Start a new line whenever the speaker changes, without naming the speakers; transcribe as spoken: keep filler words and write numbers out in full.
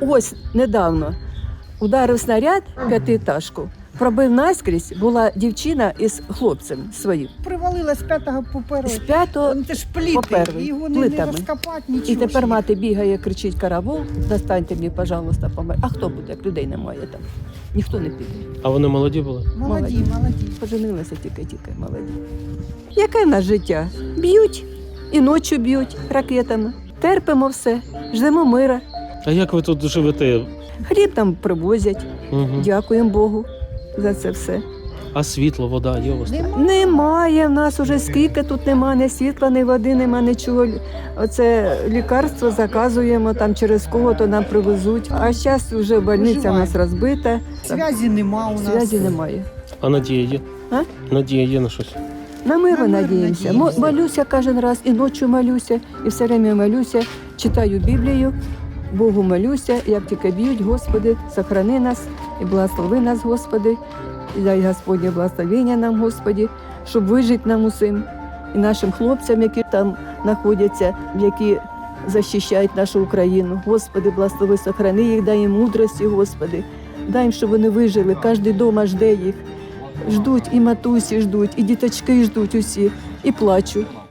Ось недавно ударив снаряд п'ятиэтажку, пробив наскрізь, була дівчина із хлопцем своїм.
Привалила з п'ятого по
З
перший.
п'ятого
Це ж пліти,
по перший,
його не, не
плитами.
розкопати, нічого.
І тепер
ж.
мати бігає, кричить: каравул, достаньте мені, пожалуйста, помер. А хто буде, як людей немає там? Ніхто не піде.
А вони молоді були?
Молоді, молоді.
Поженилися тільки-тільки, молоді. Яке в нас життя? Б'ють, і ночі б'ють ракетами. Терпимо все, ждемо мира.
А як ви тут живете?
Хліб нам привозять.
Угу.
Дякуємо Богу за це все.
А світло, вода є у вас?
Нема.
Немає в нас уже скільки тут нема, ні світла, ні води, нема нічого. Оце лікарство заказуємо там через кого-то нам привезуть. А зараз вже больниця у нас розбита.
Зв'язі нема у нас.
Зв'язі немає.
А надія є?
А?
Надія є на щось?
На мир
На мир
надіємося.
надіємося.
Мо- Молюся кожен раз, і ночі молюся, і все время молюся, читаю Біблію, Богу молюся, як тільки б'ють, Господи, сохрани нас і благослови нас, Господи, і дай Господнє благословення нам, Господи, щоб вижити нам усім, і нашим хлопцям, які там знаходяться, які захищають нашу Україну. Господи, благослови, сохрани їх, дай їм мудрості, Господи, дай їм, щоб вони вижили, кожен вдома жде їх. Ждуть, і матусі ждуть, і діточки ждуть усі, і плачуть.